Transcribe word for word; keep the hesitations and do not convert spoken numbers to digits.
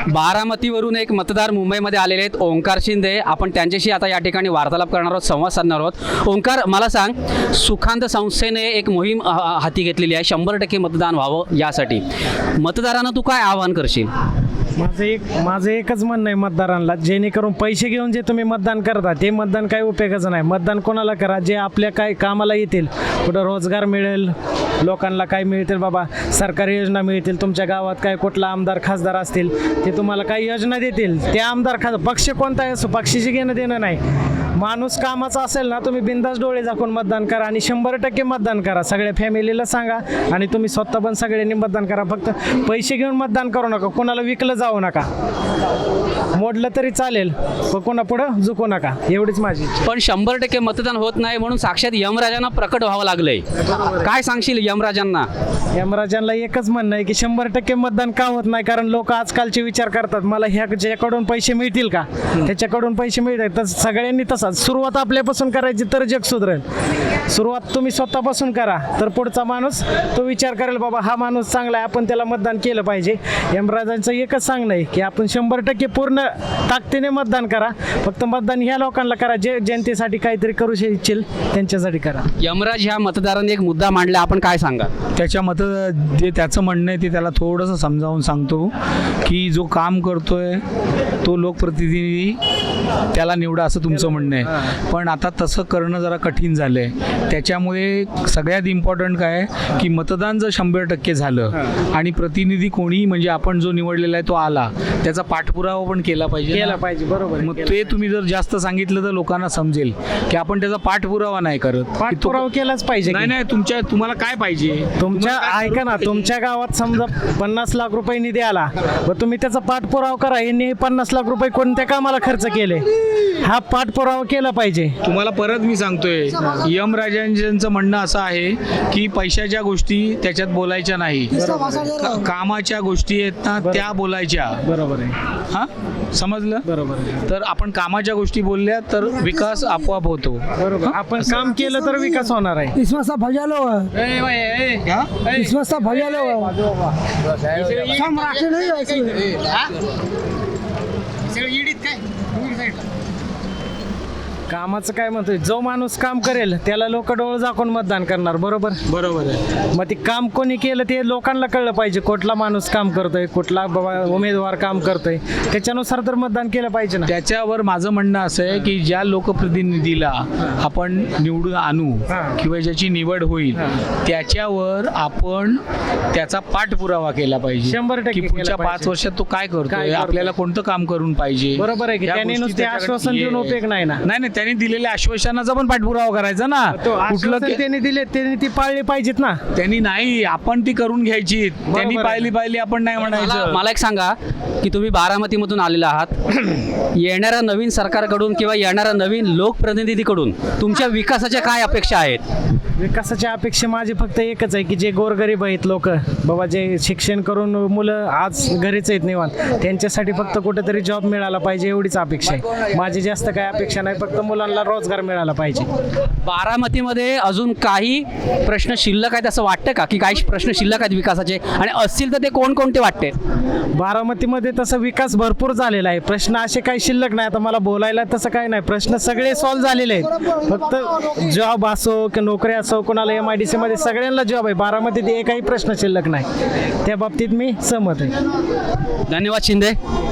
बारामतीवरून एक मतदार मुंबईमध्ये आलेले आहेत, ओंकार शिंदे. आपण त्यांच्याशी आता या ठिकाणी वार्तालाप करणार आहोत, संवाद साधणार आहोत. ओंकार, मला सांग, सुखांत संस्थेने एक मोहीम अ, हाती घेतलेली आहे शंभर टक्के मतदान व्हावं यासाठी. मतदारांना तू काय आवाहन करशील? माझं एक माझं एकच म्हणणं आहे मतदारांना, जेणेकरून पैसे घेऊन जे तुम्ही मतदान करता ते मतदान काही उपयोगाचं नाही. मतदान कोणाला करा जे आपल्या काय कामाला येतील, कुठं रोजगार मिळेल, लोकांना काय मिळतील बाबा, सरकारी योजना मिळतील, तुमच्या गावात काय कुठला आमदार खासदार असतील ते तुम्हाला काही योजना देतील, ते आमदार खास पक्ष कोणताही असो, पक्षाशी घेणं देणं नाही. माणूस कामाचा असेल ना, तुम्ही बिंदास डोळे झाकून मतदान करा आणि शंभर टक्के मतदान करा. सगळ्या फॅमिलीला सांगा आणि तुम्ही स्वतः पण सगळ्यांनी मतदान करा. फक्त पैसे घेऊन मतदान करू नका, कोणाला विकलं जाऊ नका, मोडलं तरी चालेल पण कोणा पुढं झुकू नका, एवढीच माझी इच्छा. पण शंभर टक्के मतदान होत नाही म्हणून साक्षात यमराजांना प्रकट व्हावं लागलंय. काय सांगशील यमराजांना? यमराजांना एकच म्हणणं आहे की शंभर टक्के मतदान का होत नाही, कारण लोक आजकालचे विचार करतात मला ह्या ज्याकडून पैसे मिळतील का, त्याच्याकडून पैसे मिळतात. तर सगळ्यांनी तसाच सुरुवात आपल्यापासून करायची तर जग सुधरेल. सुरुवात तुम्ही स्वतःपासून करा तर पुढचा माणूस तो विचार करेल बाबा हा माणूस चांगला आहे, आपण त्याला मतदान केलं पाहिजे. यमराजांचं एकच सांगणं आहे की आपण शंभर टक्के पूर्ण ताकदीने मतदान करा. फक्त मतदान ह्या लोकांना करा जे जनतेसाठी काहीतरी करू इच्छिल त्यांच्यासाठी करा. यमराज ह्या मतदारांनी एक मुद्दा मांडला, आपण काय सांगा? त्याच्या मत जे त्याचं म्हणणं आहे ते त्याला थोडंसं समजावून सांगतो की जो काम करतोय तो लोकप्रतिनिधी त्याला निवडा असं तुमचं म्हणणं आहे. पण आता तसं करणं जरा कठीण झालं आहे. त्याच्यामुळे सगळ्यात इम्पॉर्टंट काय आहे की मतदान जर शंभर टक्के झालं आणि प्रतिनिधी कोणी म्हणजे आपण जो निवडलेला आहे तो आला, त्याचा पाठपुरावा पण केला पाहिजे केला पाहिजे. बरोबर आहे. मग ते तुम्ही जर जास्त सांगितलं तर लोकांना समजेल की आपण त्याचा पाठपुरावा नाही करत. की तो- पाठपुरावा केलाच पाहिजे. नाही नाही तुमच्या तुम्हाला काय पाहिजे? तुमच्या ऐका ना, तुमच्या गावात समजा पन्नास लाख रुपये निधी आला व तुम्ही त्याचा पाठपुरावा करा, यांनी पन्नास लाख रुपये कोणत्या कामाला खर्च केले हा पाठपुरावा केला पाहिजे. तुम्हाला परत मी सांगतोय, यमराजांचं म्हणणं असं आहे की पैशाच्या गोष्टी त्याच्यात बोलायच्या नाही, का- कामाच्या गोष्टी आहेत ना त्या बोलायच्या. बरोबर आहे. हा समजलं? बरोबर आहे. तर आपण कामाच्या गोष्टी बोलल्या तर विकास आपोआप होतो. बरोबर. आपण काम केलं तर विकास होणार आहे. इसमें सब भजा लो इसमें सब भजा लो सब राशन नहीं है इसमें। कामाचं काय म्हणतोय, जो माणूस काम करेल त्याला लोक डोळ झाकून मतदान करणार. बरोबर बरोबर आहे. मग ते काम कोणी केलं ते लोकांना कळलं पाहिजे, कुठला माणूस काम करतोय, कुठला बाबा उमेदवार काम करतोय, त्याच्यानुसार तर मतदान केलं पाहिजे ना. त्याच्यावर माझं म्हणणं असं आहे की ज्या लोकप्रतिनिधीला आपण निवडून आणू हां. किंवा ज्याची निवड होईल त्याच्यावर आपण त्याचा पाठपुरावा केला पाहिजे. शंभर टक्के की केला पुढच्या पाहिजे. पाच वर्षात तो काय काय करतोय, करतोय? आपल्याला कोणतं काम करून पाहिजे. बरोबर आहे की या त्यांनी गोष्टी नुसते त्याच्याकडे आश्वासन देऊन ये. उपयोग नाही ना. नाही नाही त्यांनी दिलेल्या आश्वासनाचा पण पाठपुरावा करायचा ना. तो कुठलं आश्वासन के- त्यांनी दिले त्यांनी ती पाळली पाहिजेत ना. त्यांनी नाही, आपण ती करून घ्यायची. त्यांनी आहे. पाहिली पाहिली आपण नाही मला म्हणायचं. मला एक सांगा की तुम्ही बारामतीमधून आलेला आहात, येणाऱ्या नवीन सरकारकडून किंवा येणाऱ्या नवीन लोकप्रतिनिधीकडून तुमच्या विकासाच्या काय अपेक्षा आहेत? विकासाची अपेक्षा माझी फक्त एकच आहे की जे गोरगरीब आहेत लोक बाबा, जे शिक्षण करून मुलं आज घरीच आहेत निवांत, त्यांच्यासाठी फक्त कुठेतरी जॉब मिळाला पाहिजे एवढीच अपेक्षा आहे माझी. जास्त काय अपेक्षा नाही, फक्त मुलांना रोजगार मिळाला पाहिजे. बारामतीमध्ये अजून काही प्रश्न शिल्लक आहेत असं वाटतं का, की काही प्रश्न शिल्लक आहेत विकासाचे, आणि असतील तर ते कोणकोणते वाटते? बारामतीमध्ये तसा विकास भरपूर झालेला आहे, प्रश्न असे काही शिल्लक नाही. आता मला बोलायला तसं काही नाही, प्रश्न सगळे सॉल्व्ह झालेले आहेत. फक्त जॉब असो की नोकरी असो, कोणाला एम आय डी सी मध्ये सगळ्यांना जॉब आहे. बारामतीत एकही प्रश्न शिल्लक नाही, त्या बाबतीत मी सहमत आहे. धन्यवाद शिंदे.